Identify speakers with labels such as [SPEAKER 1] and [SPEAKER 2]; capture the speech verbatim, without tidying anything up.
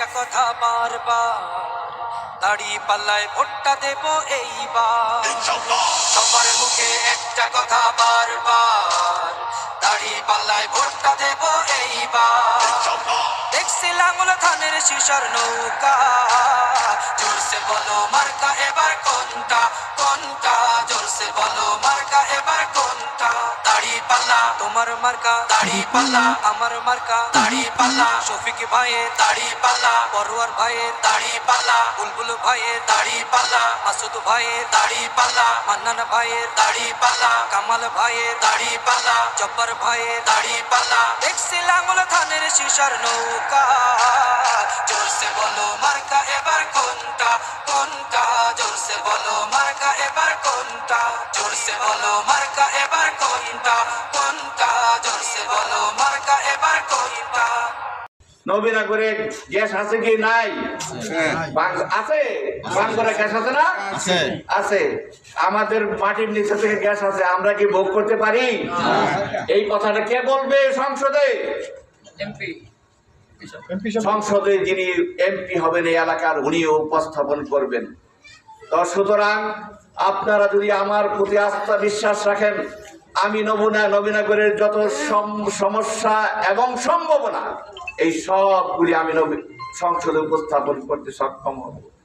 [SPEAKER 1] কথা বারবার, দাড়ি পাল্লায় ভোটটা দেব এইবার। সবার মুখে একটা কথা বারবার, দাড়ি পাল্লায় ভোটটা দেব এইবার। দেখছি লাঙ্গল ধানের শিশার নৌকা, জোরসে বলো মার্কা এবার কোনটা কোনটা, জোরসে বলো মার্কা এবার কোনটা। দাড়ি পাল্লা তোমার মার্কা, দাড়ি পাল্লা আমার মার্কা, দাড়ি পাল্লা শফিক ভাইয়ের দাড়ি পাল্লা, পরোয়ার ভাইয়ের দাড়ি পাল্লা, বুলবুল ভাইয়ের দাড়ি পাল্লা, মাসুদ ভাইয়ের দাড়ি পাল্লা, মান্নান ভাইয়ের দাড়ি পাল্লা, কামাল ভাইয়ের দাড়ি পাল্লা, জব্বার ভাইয়ের দাড়ি পাল্লা। দেখছি লাঙ্গল ধানের শিশার নৌকা, জোরসে বলো মার্কা এবার কোনটা কোনটা, জোরসে বলো মার্কা এবার কোনটা, জোরসে বলো মার্কা এবার কোনটা কোনটা, জোরসে বলো মার্কা এবার কোনটা।
[SPEAKER 2] নবীনগরে গ্যাস আছে কি নাই? আছে। বাঙ্গরে গ্যাস আছে না? আছে। আমাদের মাটির নিচে থেকে গ্যাস আছে, আমরা কি ভোগ করতে পারি? এই কথাটা কে বলবে সংসদে? সংসদে যিনি এমপি হবেন এই এলাকার, উনিও উপস্থাপন করবেন। তো সুতরাং আপনারা যদি আমার প্রতি আস্থা বিশ্বাস রাখেন, আমি নবীনা নবীনগরের যত সমস্যা এবং সম্ভাবনা এই সবগুলি আমি সংসদে উপস্থাপন করতে সক্ষম হব।